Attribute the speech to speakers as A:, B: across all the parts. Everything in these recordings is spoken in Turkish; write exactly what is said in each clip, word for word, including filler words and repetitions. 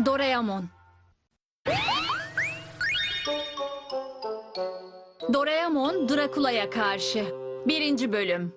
A: Doraemon. Doraemon Drakula'ya karşı. Birinci bölüm.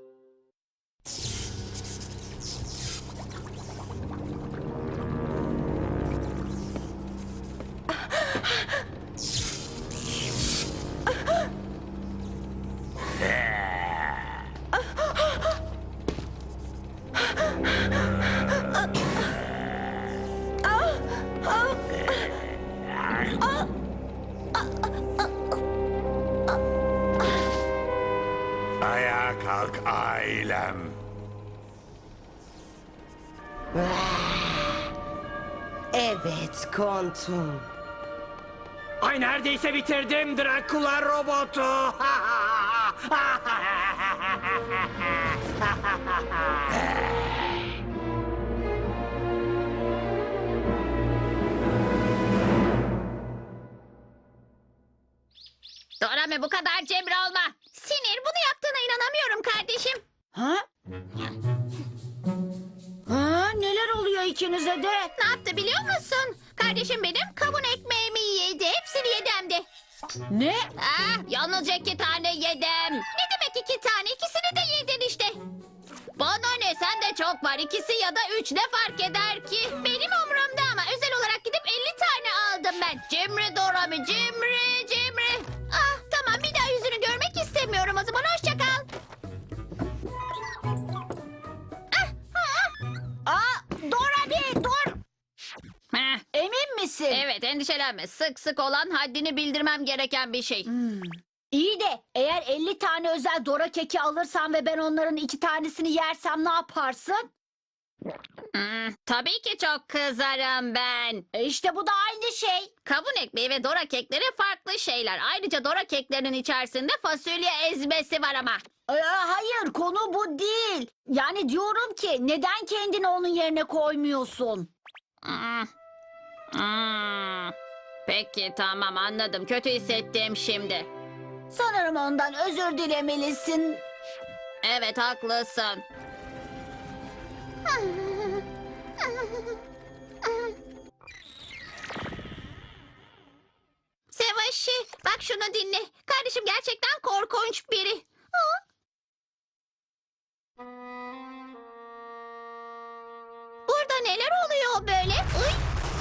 B: Ayağa kalk ailem.
C: Evet, kontum.
D: Ay neredeyse bitirdim Drakula robotu.
E: Dorame bu kadar cimri olma. Sinir bunu yaptığına inanamıyorum kardeşim.
C: Ha? Ha, neler oluyor ikinize de?
E: Ne yaptı biliyor musun? Kardeşim benim kavun ekmeğimi yedi. Hepsini yedi hem de.
C: Ne?
E: Ah, yalnızca iki tane yedim. Ne demek iki tane? İkisini de yedin işte. Bana ne sende çok var. İkisi ya da üç ne fark eder ki? Benim umurumda ama özel olarak gidip elli tane aldım ben. Cimri Dorame, cimri, cimri. Ah tamam bir daha yüzünü görmek istemiyorum o zaman. Hoşça kal. Ah, ah.
C: Aa, Dora bir dur.
E: Heh,
C: Emin misin?
E: evet endişelenme. Sık sık olan haddini bildirmem gereken bir şey.
C: İyi de eğer elli tane özel Dora keki alırsan ve ben onların iki tanesini yersem ne yaparsın?
E: Hmm, tabii ki çok kızarım ben.
C: E işte bu da aynı şey.
E: Kavun ekmeği ve Dora kekleri farklı şeyler. Ayrıca Dora keklerinin içerisinde fasulye ezmesi var ama.
C: Ee, hayır, konu bu değil. Yani diyorum ki neden kendini onun yerine koymuyorsun?
E: Hmm. Hmm. Peki tamam anladım. Kötü hissettim şimdi.
C: Sanırım ondan özür dilemelisin.
E: Evet haklısın. Sevaşi bak şunu dinle. Kardeşim gerçekten korkunç biri. Ha? Burada neler oluyor böyle? Uy.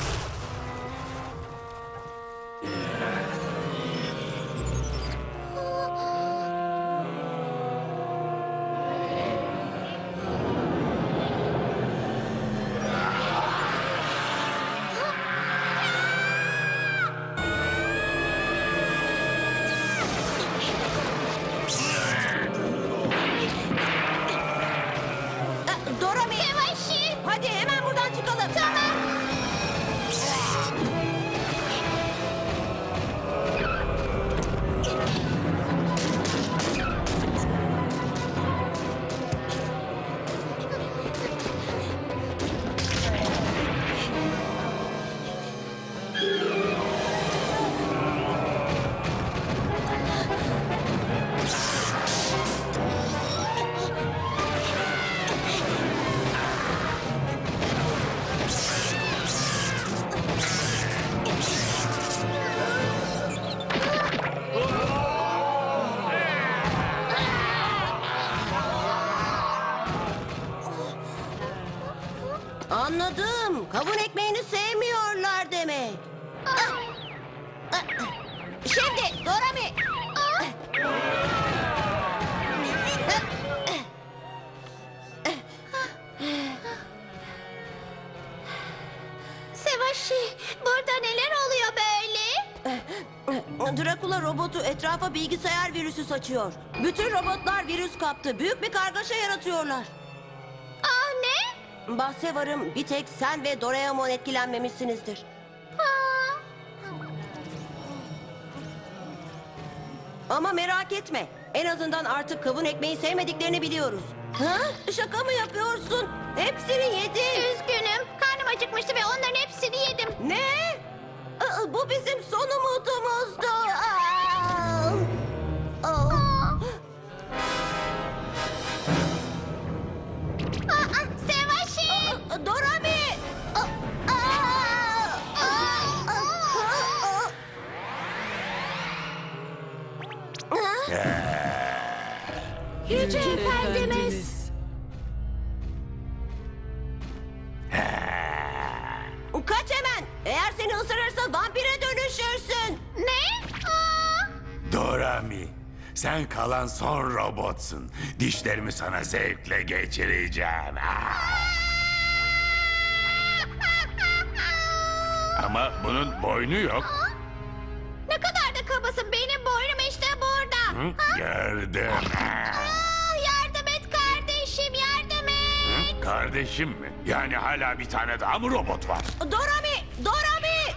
C: Dora bir...
E: Sevaşi.
C: Hadi hemen buradan çıkalım.
E: Tamam.
C: Anladım. Kavun ekmeğini sevmiyorlar demek. Şimdi Dora bir...
E: Sevaşi burada neler oluyor böyle?
F: Drakula robotu etrafa bilgisayar virüsü saçıyor. Bütün robotlar virüs kaptı. Büyük bir kargaşa yaratıyorlar.
E: Aa ne?
F: Bahse varım bir tek sen ve Doraemon etkilenmemişsinizdir.
E: Aa.
F: Ama merak etme. En azından artık kavun ekmeği sevmediklerini biliyoruz. Ha? Şaka mı yapıyorsun? Hepsini yedin.
E: Üzgünüm. Karnım acıkmıştı ve onların hepsini yedim.
F: Ne? Aa, bu bizim son umudumuzdu. Aa! Aa!
E: Aa, Sevaşi!
F: Dorami! Aa! Aa!
C: Yüce Efendimiz.
F: Kaç hemen. Eğer seni ısırırsa vampire dönüşürsün.
E: Ne? Aa!
B: Dorami, sen kalan son robotsun. Dişlerimi sana zevkle geçireceğim. Ah! Ama bunun boynu yok.
E: Ne kadar da kabasın. Benim boynum işte burada.
B: Hı, gördüm. Ah!
E: Aa, yardım et kardeşim, yardım et.
B: Hı, kardeşim mi? Yani hala bir tane daha mı robot var?
F: Dorami! Dorami!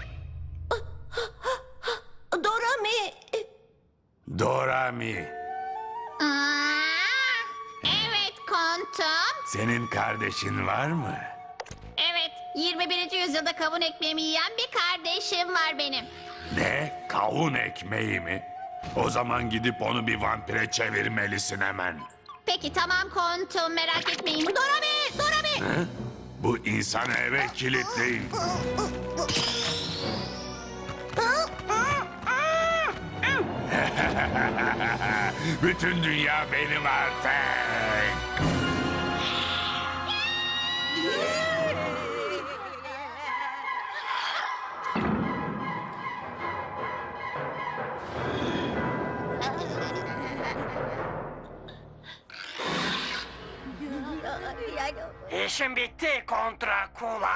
F: Dorami!
B: Dorami,
E: Aa, evet kontum.
B: senin kardeşin var mı?
E: Evet, yirmi birinci yüzyılda kavun ekmeğimi yiyen bir kardeşim var benim.
B: Ne? Kavun ekmeği mi? O zaman gidip onu bir vampire çevirmelisin hemen.
E: Peki tamam kontum, merak etmeyin.
F: Dorami! Dorami!
B: Hı? Bu insanı eve kilitleyin. Bütün dünya benim artık.
D: İşim bitti kontra kula.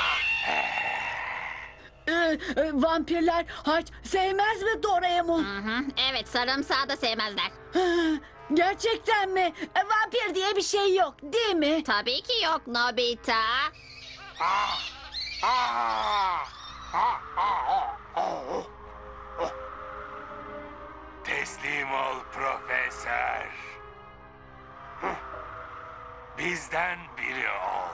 C: Ee, e, vampirler haç sevmez mi Doraemon?
E: Hı hı, evet, sarımsağı da sevmezler.
C: Ha, gerçekten mi? E, vampir diye bir şey yok değil mi?
E: Tabii ki yok Nobita.
D: Ah, ah, ah, ah, oh, oh.
B: Teslim ol profesör. Hıh. Bizden biri ol.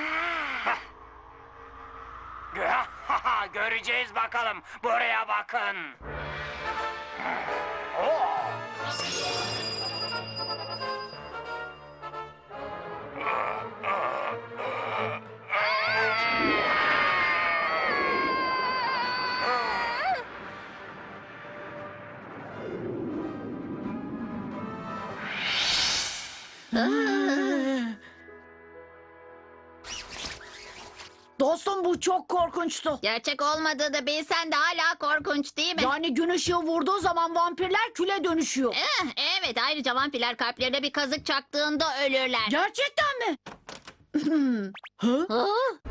D: Göreceğiz bakalım. Buraya bakın. Oh.
C: Dostum bu çok korkunçtu.
E: Gerçek olmadığını bilsen de hala korkunç değil mi?
C: Yani gün ışığı vurduğu zaman vampirler küle dönüşüyor.
E: Eh, evet, ayrıca vampirler kalplerine bir kazık çaktığında ölürler.
C: Gerçekten mi? Hı?
E: Hı?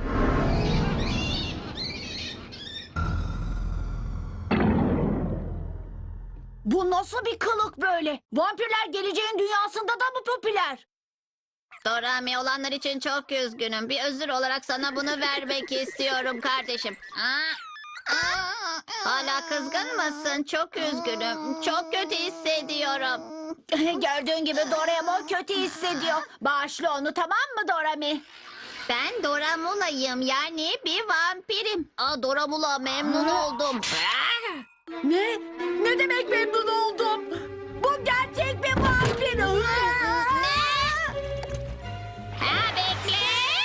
C: Bu nasıl bir kılık böyle? Vampirler geleceğin dünyasında da mı popüler?
E: Dorami, olanlar için çok üzgünüm. Bir özür olarak sana bunu vermek istiyorum kardeşim. Aa, aa, hala kızgın mısın? Çok üzgünüm. Çok kötü hissediyorum.
C: Gördüğün gibi Doraemon kötü hissediyor. Bağışla onu, tamam mı Dorami?
E: Ben Doramula'yım, yani bir vampirim. Aa, Doramula, memnun oldum.
C: Ne? Ne demek memnun oldum? Bu gerçek bir vampir.
E: Ne? Ha, bekle.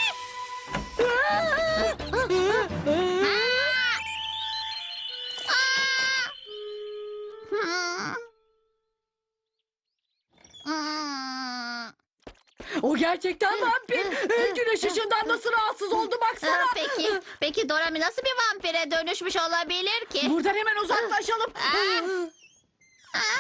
E: Aa! Hmm. Hmm.
C: O gerçekten vampir. Güneş ışığından nasıl rahatsız oldu baksana.
E: Aa, peki, peki Dorami nasıl bir vampire dönüşmüş olabilir ki?
C: Buradan hemen uzaklaşalım.
E: Aa, aa,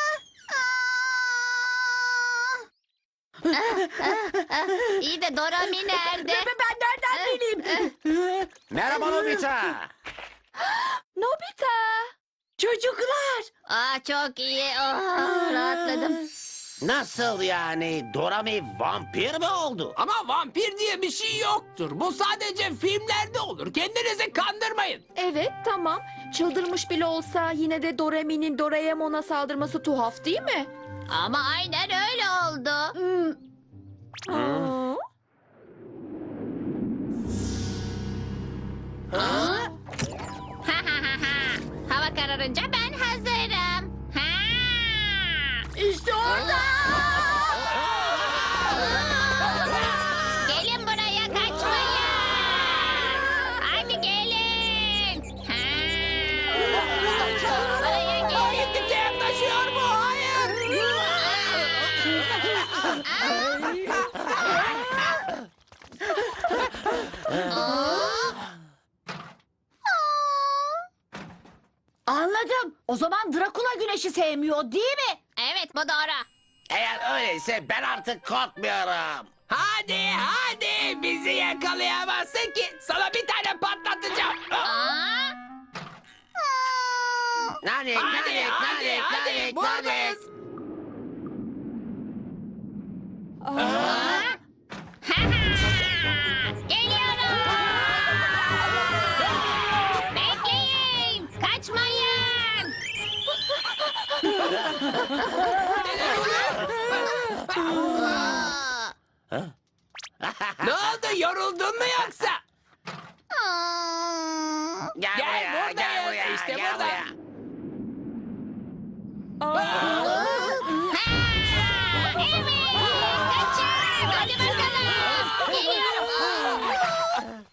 E: aa. İyi de Dorami nerede?
C: Ve ben nereden bileyim?
D: Merhaba Nobita.
C: Nobita. Çocuklar.
E: Aa, çok iyi. Oh, rahatladım.
G: Nasıl yani? Dorami vampir mi oldu?
H: Ama vampir diye bir şey yoktur. Bu sadece filmlerde olur. Kendinizi kandırmayın.
I: Evet, tamam. Çıldırmış bile olsa yine de Dorami'nin Doraemon'a saldırması tuhaf değil mi?
E: Ama aynen öyle oldu.
I: Aa.
E: Hava kararınca ben hazırım. Ha!
C: İşte orada.
E: Gelin buraya, kaçmayın. Hadi gelin. Ha! Buraya gelin.
H: Gittikçe yaklaşıyor bu. Hayır.
C: Anladım. O zaman Drakula güneşi sevmiyor değil mi?
E: Evet bu doğru.
G: Eğer öyleyse ben artık korkmuyorum.
H: Hadi hadi bizi yakalayamazsın ki. Sana bir tane patlatacağım.
E: Aa,
G: Nanik,
H: Hadi
G: nanik,
H: hadi
G: nanik,
H: hadi
G: nanik, nanik.
H: buradayız.
E: geliyorum. Bekleyin. Kaçmayın. Aa,
H: Ne oldu yoruldun mu yoksa?
E: aa.
G: Gel,
H: Gel
G: buraya,
H: buradayız,
G: gel buraya,
H: işte
G: gel
H: burada.
G: buraya.
E: Ha, evet. Kaçın. Hadi bakalım. Geliyorum.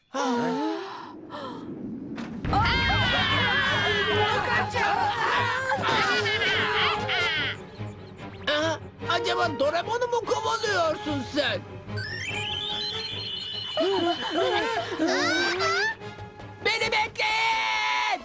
H: Aha, acaba Doraemon'u mu kovalıyorsun sen? Beni bekleyin!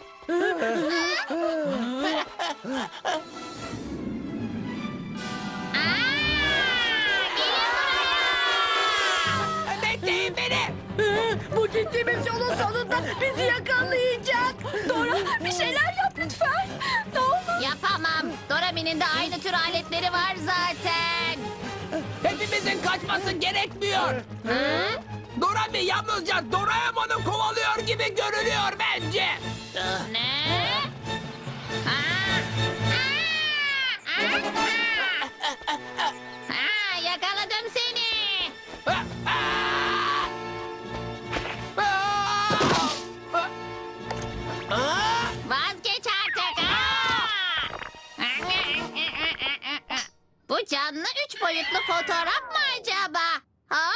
H: Bekleyin beni!
I: Bu gittiğimiz yolun sonunda bizi yakalayacak. Dora bir şeyler yap lütfen. Ne olur.
E: Yapamam. Dorami'nin de aynı tür aletleri var zaten.
H: Hepimizin kaçması gerekmiyor.
E: Ha?
H: Dorami yalnızca Doraemon'u kovalıyor gibi görünüyor bence.
E: Ne? Ha? Ha? Ha? Ha, yakaladım seni.
H: Ah, ah! Ah! Ah!
E: Vazgeç artık. Ha? Bu canlı üç boyutlu fotoğraf mı acaba? Ha?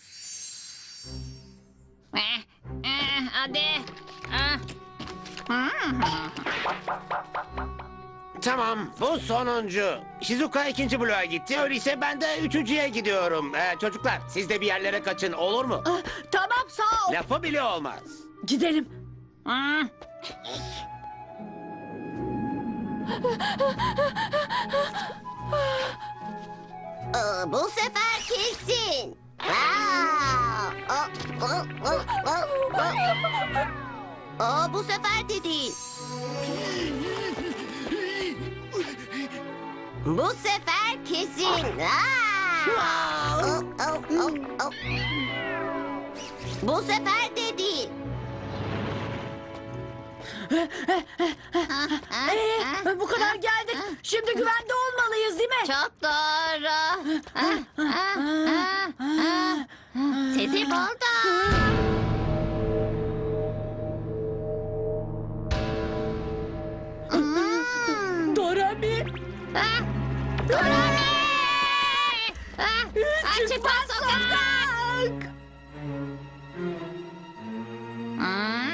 E: Eh, eh, hadi. Ah. Hmm.
G: Tamam, bu sonuncu. Shizuka ikinci bloğa gitti, öyleyse ben de üçüncüye gidiyorum. Ee, çocuklar, siz de bir yerlere kaçın, olur mu?
C: Ah, tamam sağ ol.
G: Lafı bile olmaz.
C: Gidelim.
E: Hmm.
F: Aa, bu sefer kesin. Aa, aa, aa, aa, aa. Aa, bu sefer de değil. Bu sefer kesin. Aa, aa, aa, aa, aa. Bu sefer de değil.
C: Ee, bu kadar geldik. Şimdi güvende olmalıyız değil mi?
E: Çok doğru. Ah, ah, ah, ah. Sizi buldum. Hmm.
C: Dorami.
E: Ah, Dorami! Ah, Açıkla sokak! Hmm.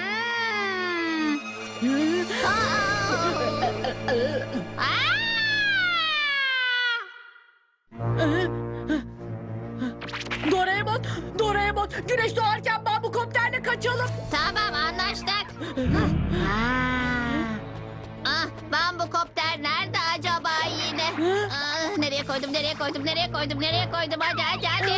E: Aa! Aa!
C: Doraemon, Doraemon. Güneş doğarken bambukopterle kaçalım.
E: Tamam anlaştık. Ah, bambukopter nerede acaba yine? Ah, nereye koydum, nereye koydum, nereye koydum, nereye koydum? Hadi, hadi, hadi.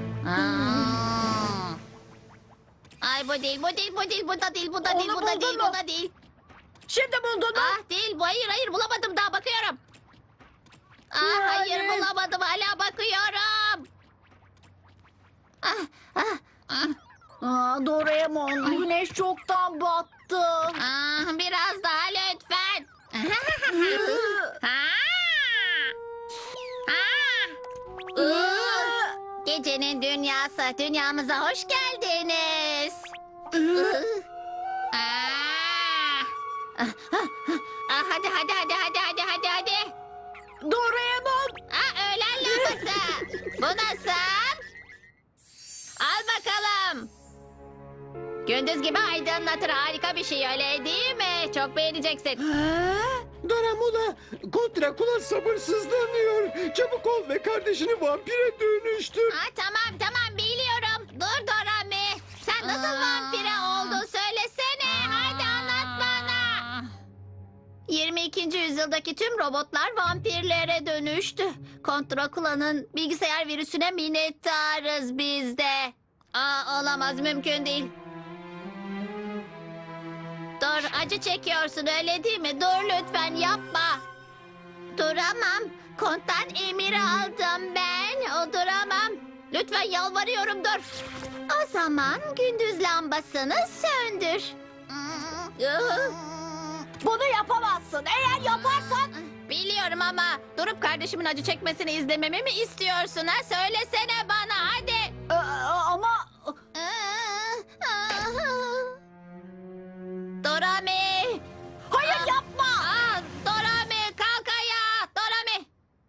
E: Aa. Ay bu değil, bu değil, bu değil, bu da değil, bu da değil,
C: Onu
E: bu da
C: buldun
E: değil,
C: mu?
E: bu da değil.
C: Şimdi buldun mu?
E: Ah değil, bu hayır, hayır bulamadım daha bakıyorum. Ah hayır
C: Yani.
E: bulamadım, hala bakıyorum. Ah, ah, ah.
C: Aa, Doraemon, güneş çoktan battı.
E: Ah, biraz daha lütfen. Ha? Ha? Gecenin dünyası, dünyamıza hoş geldiniz. Ah. Ah, hadi hadi hadi hadi hadi hadi hadi.
C: Doraemon.
E: Ah, öğlen lambası. Bu nasıl? Al bakalım. Gündüz gibi aydınlatır, harika bir şey öyle değil mi? Çok beğeneceksin.
J: Doraemon, Kont Drakula sabırsızlanıyor. Çabuk ol ve kardeşini vampire dönüştür.
E: Ha, tamam tamam biliyorum. Dur Dorami. Sen nasıl vampire oldun söylesene. Hadi anlat bana. ikinci yüzyıldaki tüm robotlar vampirlere dönüştü. Kont Drakula'nın bilgisayar virüsüne minnettarız biz de. Aa, olamaz, mümkün değil. Dur, acı çekiyorsun öyle değil mi? Dur lütfen, yapma. Duramam. Konttan emir aldım ben. O duramam. Lütfen yalvarıyorum, dur. O zaman gündüz lambasını söndür.
C: Bunu yapamazsın. Eğer yaparsan...
E: Biliyorum ama durup kardeşimin acı çekmesini izlememi mi istiyorsun ha? Söylesene bana hadi.
C: Ee, ama...
E: Dorami.
C: Hayır yapma.
E: Aa, Dorami kalk ayağa. Dorami.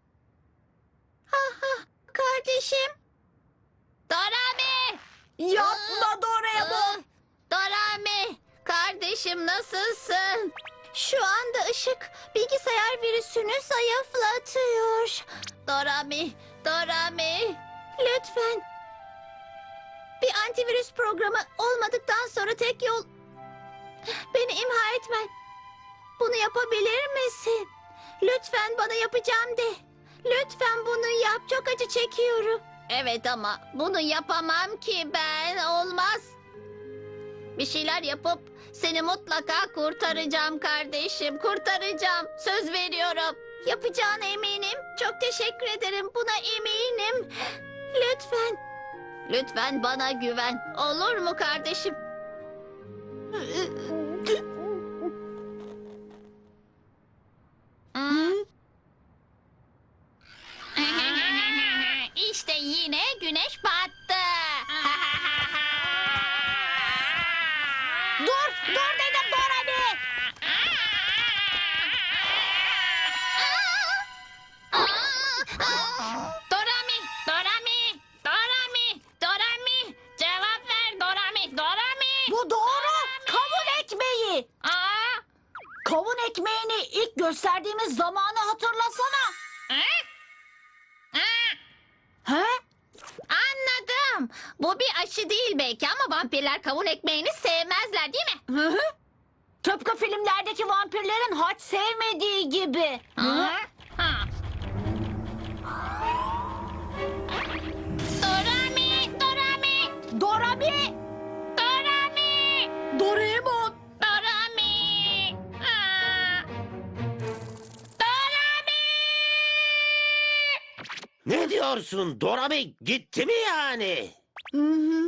E: Ah, ah, kardeşim. Dorami.
C: Yapma Doraemon.
E: Ah, Dorami. Kardeşim nasılsın? Şu anda ışık bilgisayar virüsünü zayıflatıyor. Dorami, Dorami. Lütfen. Bir antivirüs programı olmadıktan sonra tek yol... Beni imha etmen. Bunu yapabilir misin? Lütfen bana yapacağım de. Lütfen bunu yap. Çok acı çekiyorum. Evet ama bunu yapamam ki ben. Olmaz. Bir şeyler yapıp seni mutlaka kurtaracağım kardeşim. Kurtaracağım. Söz veriyorum. Yapacağına eminim. Çok teşekkür ederim. Buna eminim. Lütfen. Lütfen bana güven. Olur mu kardeşim? İşte yine güneş battı.
C: Dur, dur dedim Dorami.
E: Dorami, Dorami, Dorami, Dorami. Cevap ver Dorami, Dorami.
C: Bu doğru. Kavun ekmeği.
E: Aa,
C: Kavun ekmeğini ilk gösterdiğimiz zamanı hatırlasana. He?
E: anladım. Bu bir aşı değil belki ama vampirler kavun ekmeğini sevmezler değil mi?
C: Hı hı. Tıpkı filmlerdeki vampirlerin haç sevmediği gibi.
E: Ha? Ha. Dorami, Dorami,
C: Dorami.
E: Dorami,
I: Doraemon.
E: Dorami. Aa. Dorami.
G: Ne diyorsun? Dorami gitti mi yani?
I: Hı hı.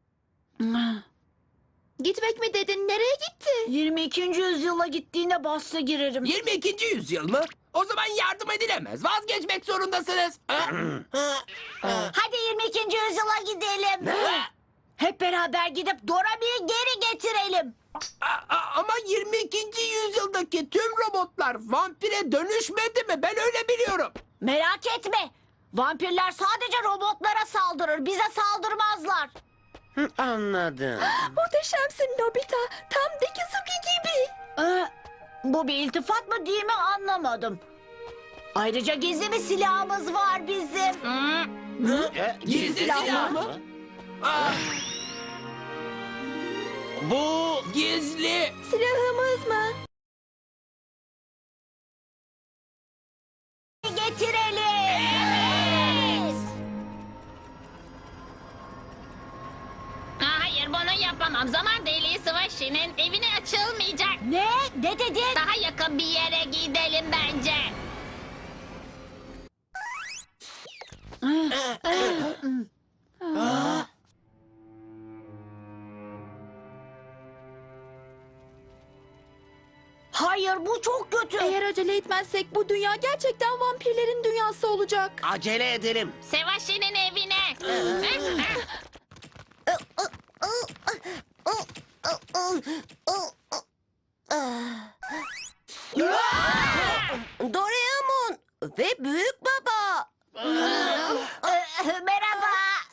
I: Gitmek mi dedin? Nereye gitti?
C: yirmi ikinci yüzyıla gittiğine bahse girerim.
H: yirmi ikinci yüzyıl mı? O zaman yardım edilemez. Vazgeçmek zorundasınız. Ha?
C: Hadi yirmi ikinci yüzyıla gidelim. Hep beraber gidip Dorami'yi geri getirelim.
H: A- a- ama yirmi ikinci yüzyıldaki tüm robotlar vampire dönüşmedi mi? Ben öyle biliyorum.
C: Merak etme. Vampirler sadece robotlara saldırır. Bize saldırmazlar.
G: Hı, anladım.
I: Muhteşemsin Nobita. Tam Dekizuki gibi.
C: Ee, bu bir iltifat mı değil mi anlamadım. Ayrıca gizli bir silahımız var bizim.
G: E,
H: Gizli silah mı? Aa,
G: Bu
H: gizli.
I: Silahımız mı?
C: Getirelim.
E: Aa, hayır bunu yapamam. Zaman deliği Savaşı'nın evine açılmayacak.
C: Ne? Ne dedin?
E: Daha yakın bir yere gidelim bence.
C: Hayır bu çok kötü.
I: Eğer acele etmezsek bu dünya gerçekten vampirlerin dünyası olacak.
G: acele edelim.
E: Savaşı'nın evine.
F: Doraemon ve Büyük Baba.
C: Ee, Merhaba.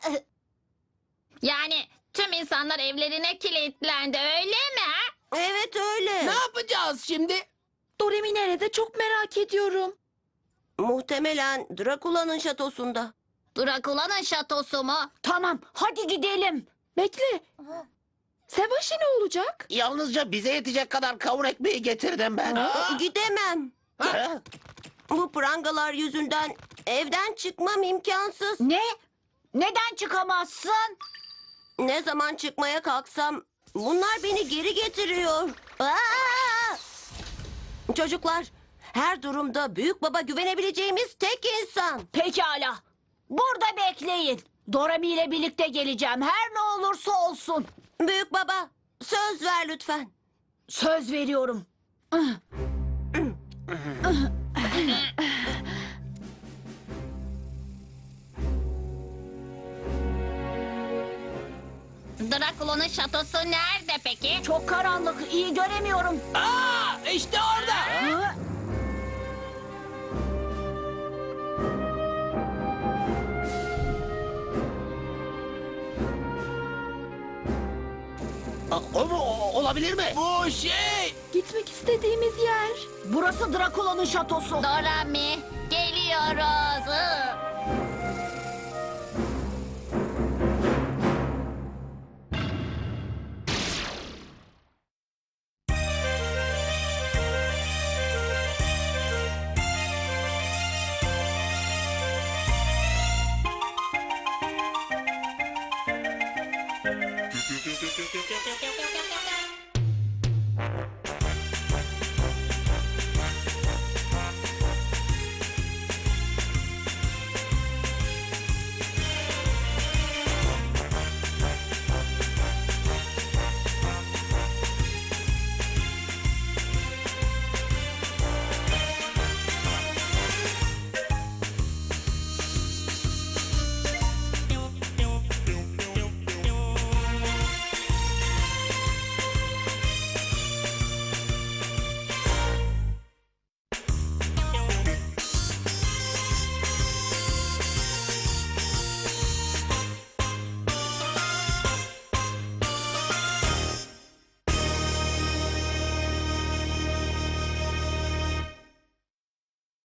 E: Yani tüm insanlar evlerine kilitlendi öyle mi? Ha?
F: Evet öyle.
H: Ne yapacağız şimdi?
I: Doremi nerede? Çok merak ediyorum.
F: Muhtemelen Drakula'nın şatosunda.
E: Drakula'nın şatosu mu?
C: Tamam hadi gidelim.
I: Bekle. Sebaşi ne olacak?
G: Yalnızca bize yetecek kadar kavun ekmeği getirdim ben.
F: Gidemem.
G: Ha?
F: Bu prangalar yüzünden evden çıkmam imkansız.
C: Ne? Neden çıkamazsın?
F: Ne zaman çıkmaya kalksam bunlar beni geri getiriyor. Aa! Çocuklar, her durumda büyük baba güvenebileceğimiz tek insan.
C: Pekala. Burada bekleyin. Dorami ile birlikte geleceğim. Her ne olursa olsun.
F: Büyük baba, söz ver lütfen.
C: Söz veriyorum.
E: Drakula'nın şatosu nerede peki?
C: Çok karanlık. İyi göremiyorum.
H: Aa, işte orada.
C: Ha?
G: O mu? O- olabilir mi?
H: Bu şey.
I: Gitmek istediğimiz yer.
C: Burası Drakula'nın şatosu.
E: Dorami, geliyoruz. Iı.